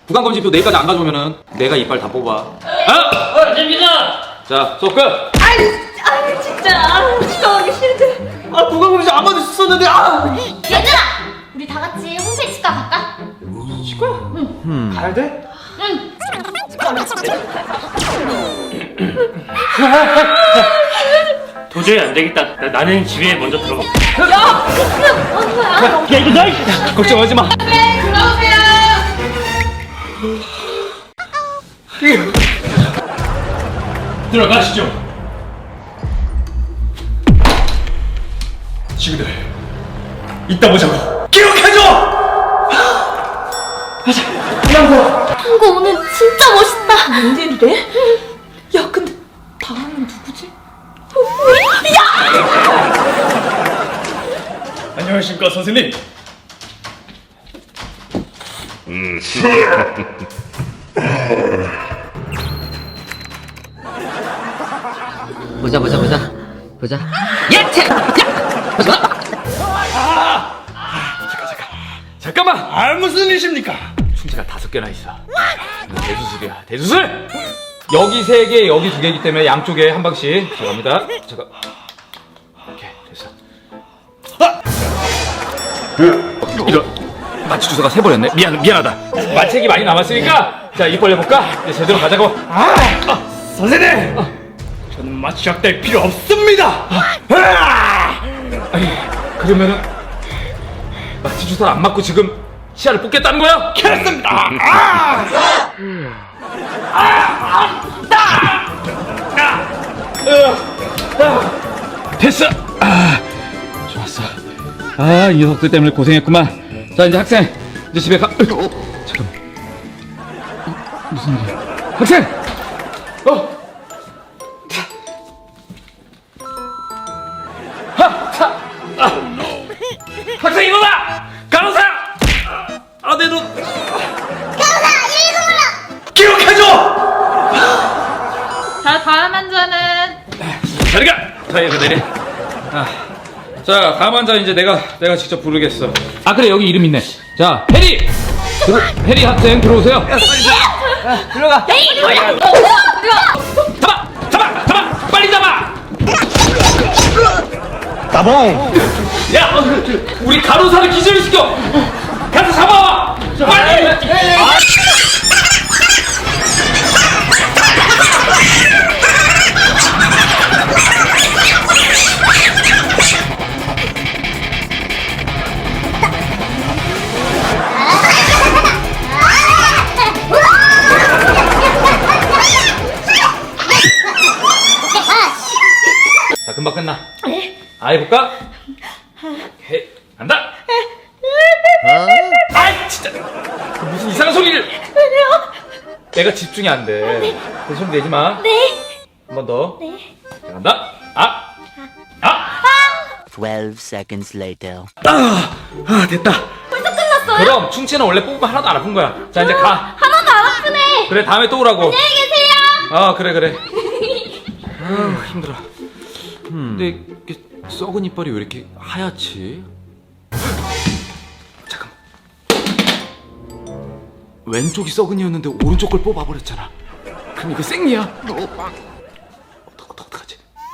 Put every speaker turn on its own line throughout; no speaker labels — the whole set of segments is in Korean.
구강검진표 내일까지 안 가져오면은 내가 이빨 다 뽑아.
됩니다.
자, 수업 끝!
아니 진짜 축하하기 싫은데.
구강검진 안 받으셨었는데,
얘들아, 우리 다 같이 홈페이지 치과 갈까?
치과? 가야 돼?
응.
도저히 안 되겠다. 나는 집에 먼저 들어가.
야, 그냥 어디 거야?
야 이거 너
걱정하지 마.
네, 들어오세요.
들어가시죠.
친구들, 이따 보자고. 기억해줘!
한거 오늘 진짜 멋있다. 웬일이래? 야, 근데 다음은 누구지?
안녕하십니까 선생님.
보자. 예체!
잠깐만! 무슨 일이십니까? 충치가 5개나 있어. 대수술이야, 대수술! 여기 3개, 여기 2개이기 때문에 양쪽에 한 방씩. 자, 갑니다. 잠깐. 오케이, 됐어. 이런. 마취 주사가 3번이었네. 미안하다. 마취액이 많이 남았으니까, 자, 입 벌려볼까? 이제 제대로 가자고.
선생님. 저는 마취약될 필요 없습니다.
아니, 그러면은, 마취 주사를 안 맞고 지금 치아를 뽑겠다는 거야?
그렇습니다.
됐어. 좋았어. 이 녀석들 때문에 고생했구만. 자, 이제 학생, 이제 집에 가. 잠깐만. 무슨 일이야? 학생! 학생 일어나! 간호사! 내 눈. 간호사, 기억해줘!
자, 다음 환자는
자리 가! 자, 여기 내려. 자, 다음 환자 이제 내가 직접 부르겠어. 그래, 여기 이름 있네. 자, 해리! 해리 학생 들어오세요. 들어가. 잡아! 빨리 잡아!
따봉.
야, 우리 간호사를 기절시켜! 가서 잡아와! 빨리! 자, 금방 끝나. 해볼까? 간다! 진짜! 무슨 이상한 소리를! 내가 집중이 안 돼. 그 소리 내지 마.
네.
한 번 더.
네.
자, 간다!
12 seconds later.
됐다.
벌써 끝났어요?
그럼 충치는 원래 뽑으면 하나도 안 아픈 거야. 자, 이제 가.
하나도 안 아프네.
그래, 다음에 또 오라고.
안녕히 계세요.
그래. 힘들어. 근데 이게 썩은 이빨이 왜 이렇게 하얗지? 잠깐만. 왼쪽이 썩은이었는데 오른쪽 걸 뽑아버렸잖아. 그럼 이거 생리야? 어떡하지?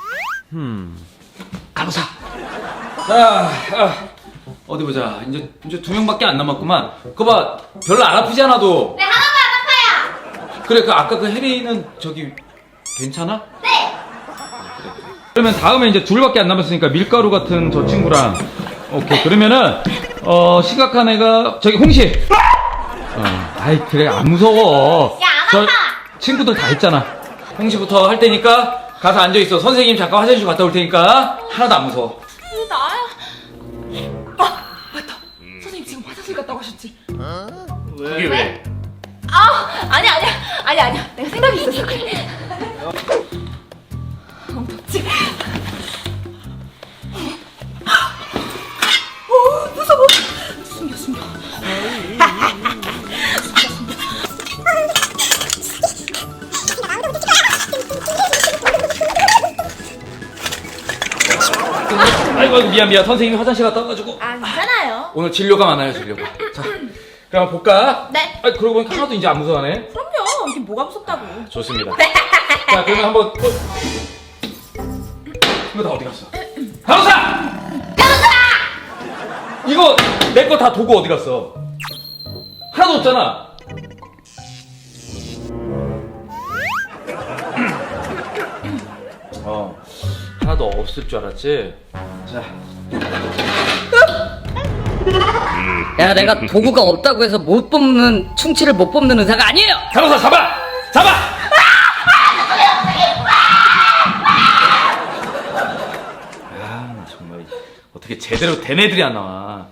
간호사. 자, 어디 보자. 이제 2명밖에 안 남았구만. 그거 봐, 별로 안 아프지 않아도.
네, 하나도 안 아파요.
그래, 아까 그 해리는 저기 괜찮아?
네.
그러면 다음에 이제 2밖에 안 남았으니까 밀가루 같은 저 친구랑. 오케이, 그러면은 심각한 애가 저기 홍시. 그래, 안 무서워.
야, 안
저
아파.
친구들 다 했잖아. 홍시부터 할 테니까 가서 앉아 있어. 선생님 잠깐 화장실 갔다 올 테니까. 하나도 안 무서워.
나야.
맞다. 선생님 지금 화장실 갔다고 하셨지?
그게 왜?
아니야. 내가 생각이 있었어. 그래. 덥지? 무서워. 숨겨.
아이고, 미안. 선생님이 화장실 갔다 와가지고.
괜찮아요.
오늘 진료가 많아요, 진료가. 자, 그럼 볼까?
네.
아, 그러고 보니까 하나도 이제 안 무서워하네.
그럼요. 이게 뭐가 무섭다고.
좋습니다. 자, 그러면 한번 이거 다 어디 갔어? 간호사! 이거 내 거 다 도구 어디 갔어? 하나도 없잖아. 하나도 없을 줄 알았지. 자,
야, 내가 도구가 없다고 해서 못 뽑는 충치를 못 뽑는 의사가 아니에요.
간호사 잡아! 잡아! 아, 정말 어떻게 제대로 된 애들이 안 나와.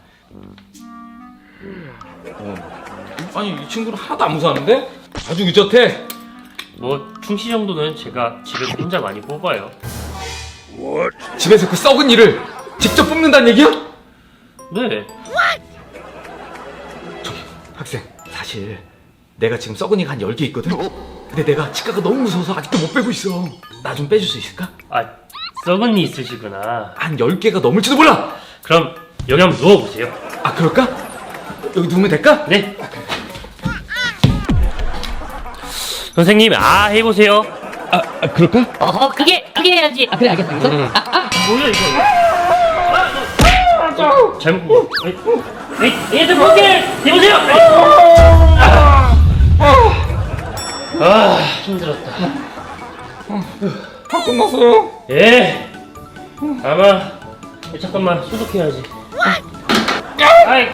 아니, 이 친구는 하나도 안 무서워하는데? 아주 의젓해.
뭐 충치 정도는 제가 집에서 혼자 많이 뽑아요.
집에서 그 썩은 이를 직접 뽑는다는 얘기야?
네.
학생, 사실 내가 지금 썩은 이가 한 10개 있거든? 근데 내가 치과가 너무 무서워서 아직도 못 빼고 있어. 나 좀 빼줄 수 있을까?
아, 썩은 이 있으시구나.
한 10개가 넘을지도 몰라.
그럼 여기 한번 누워보세요.
아, 그럴까? 여기 누우면 될까?
네. 선생님, 아 해보세요.
그럴까?
어허, 그게 해야지. 아, 그래, 알겠어.
뭐야 이거? 잘못. 얘들 볼게 해보세요. 아, 힘들었다.
다 끝났어요.
예. 아마 잠깐만 소독해야지. 아이.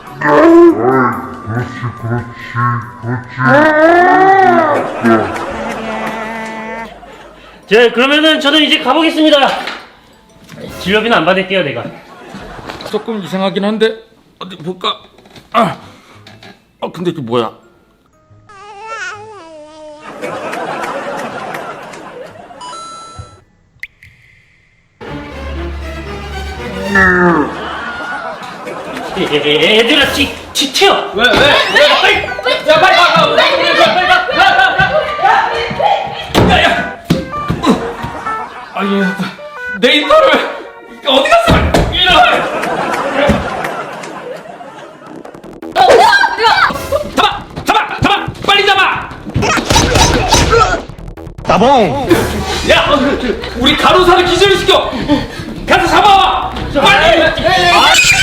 자, 그러면은 저는 이제 가보겠습니다. 진료비는 안 받을게요, 내가.
조금 이상하긴 한데 어디 볼까? 근데 이게 뭐야?
얘들아, 튀어.
왜? 빨리! 야, 빨리 가! 야! 아니, 내 인터를 어디 갔어? 이런! 잡아! 빨리 잡아! 따봉! 야, 우리 간호사를 기절시켜! 가서 잡아와! 빨리!